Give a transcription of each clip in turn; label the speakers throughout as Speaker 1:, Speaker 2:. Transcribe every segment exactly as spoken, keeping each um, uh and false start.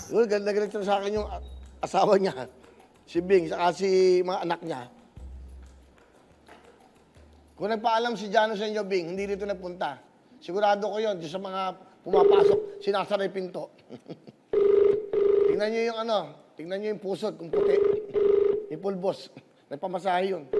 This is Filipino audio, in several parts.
Speaker 1: Uy, galit na sa akin yung asawa niya. Si Bing, saka si mga anak niya. Kung nagpaalam si Jano sa inyo, Bing, hindi dito nagpunta. Sigurado ko yun, sa mga pumapasok, sinasara yung pinto. Tingnan niyo yung ano, tingnan niyo yung pusot, kung puti. Yung pulbos. Nagpamasahe yun.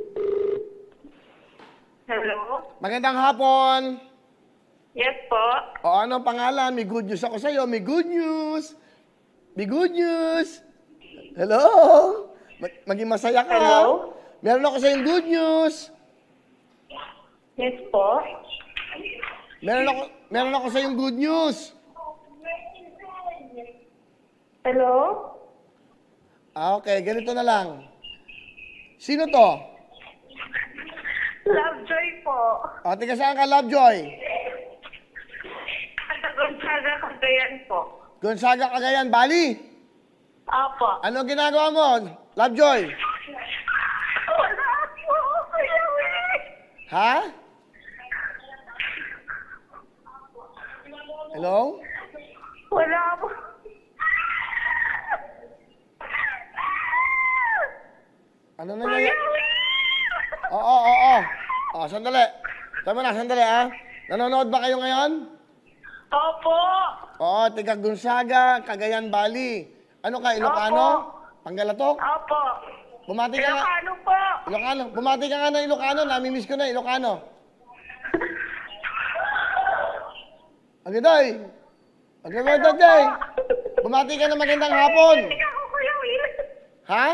Speaker 2: Hello?
Speaker 1: Magandang hapon.
Speaker 2: Yes po.
Speaker 1: O ano ang pangalan? May good news ako sa'yo. May good news. May good news. Hello? Mag- maging masaya ka.
Speaker 2: Hello?
Speaker 1: Meron ako sa'yo good news.
Speaker 2: Yes po.
Speaker 1: Meron ako, meron ako sa'yo good news.
Speaker 2: Hello?
Speaker 1: Ah, okay. Ganito na lang. Sino to?
Speaker 2: Lovejoy po.
Speaker 1: O, tiga saan ka, Lovejoy?
Speaker 2: Sa Gonzaga, Cagayan po.
Speaker 1: Gonzaga, Cagayan, Bali.
Speaker 2: Apo.
Speaker 1: Ano ginagawa mo, Lovejoy?
Speaker 2: Wala po, Kuya Will.
Speaker 1: Ha? Hello?
Speaker 2: Wala po.
Speaker 1: Ano na
Speaker 2: Kuya
Speaker 1: nangyayari?
Speaker 2: Will.
Speaker 1: Oo, oo, oo. O, sandali. Tama na, sandali, ha? Nanonood ba kayo ngayon?
Speaker 2: Opo.
Speaker 1: Oo, tiga Gonzaga, Cagayan, Bali. Ano ka, Ilocano? Panggalatok?
Speaker 2: Opo.
Speaker 1: Bumati ka nga.
Speaker 2: Ilocano po.
Speaker 1: Ilocano. Bumati ka nga ng Ilocano. Namimiss ko na, Ilocano. Agiday. Agiday, Daday. Bumati ka ng magandang hapon.
Speaker 2: Hindi ako, Kuya Will.
Speaker 1: Ha?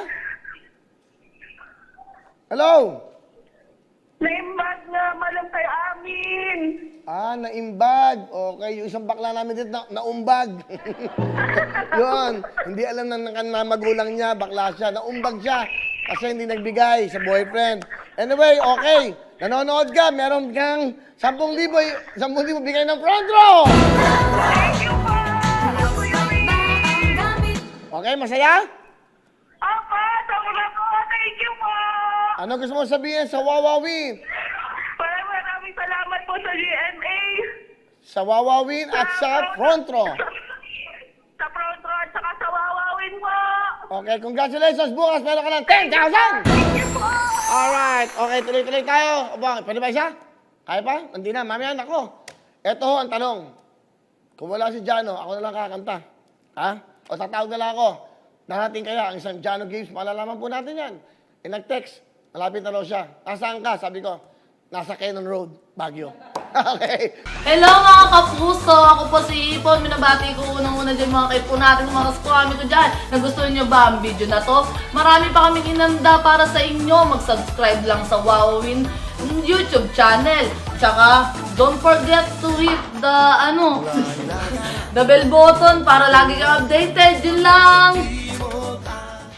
Speaker 1: Hello?
Speaker 2: Naimbag na malam kay amin.
Speaker 1: Ah, naimbag. Okay, yung isang bakla namin dito, na, naumbag. Yun. Hindi alam na, na, na magulang niya, bakla siya. Naumbag siya kasi hindi nagbigay sa boyfriend. Anyway, okay. Nanonood ka, meron kang sampung libo, sampung libo bigay ng front row.
Speaker 2: Thank you po, Kuya Will.
Speaker 1: Okay, masaya?
Speaker 2: Opo, sobra po. Thank you po.
Speaker 1: Ano gusto mo sabihin sa Wawawin?
Speaker 2: Maraming maraming salamat po sa G M A.
Speaker 1: Sa Wawawin at sa front row.
Speaker 2: Sa front row at saka sa Wawawin po.
Speaker 1: Okay, congratulations. Bukas meron ka ng ten thousand.
Speaker 2: Thank you po.
Speaker 1: Alright. Okay, tuloy-tuloy tayo. Aba, pwede ba isa? Kaya pa? Hindi na. Mamaya na ako. Ito ho ang tanong. Kung wala si Jano, ako na lang kakanta. Ha? O tatawag na lang ako. Narating kaya ang isang Jano Games. Malalaman po natin yan. E nag-text. Malapit na raw siya. Nasaan ka? Sabi ko, nasa Cannon Road, Baguio. Okay.
Speaker 3: Hello mga kapuso! Ako po si Ipon. Minabati ko unang-una dyan mga kaipo natin, mga kaskwami ko dyan. Nagustuhan nyo ba ang video na to? Marami pa kaming inanda para sa inyo. Mag-subscribe lang sa Wowin YouTube channel. Tsaka, don't forget to hit the, ano, the bell button para lagi kang updated. Yun lang!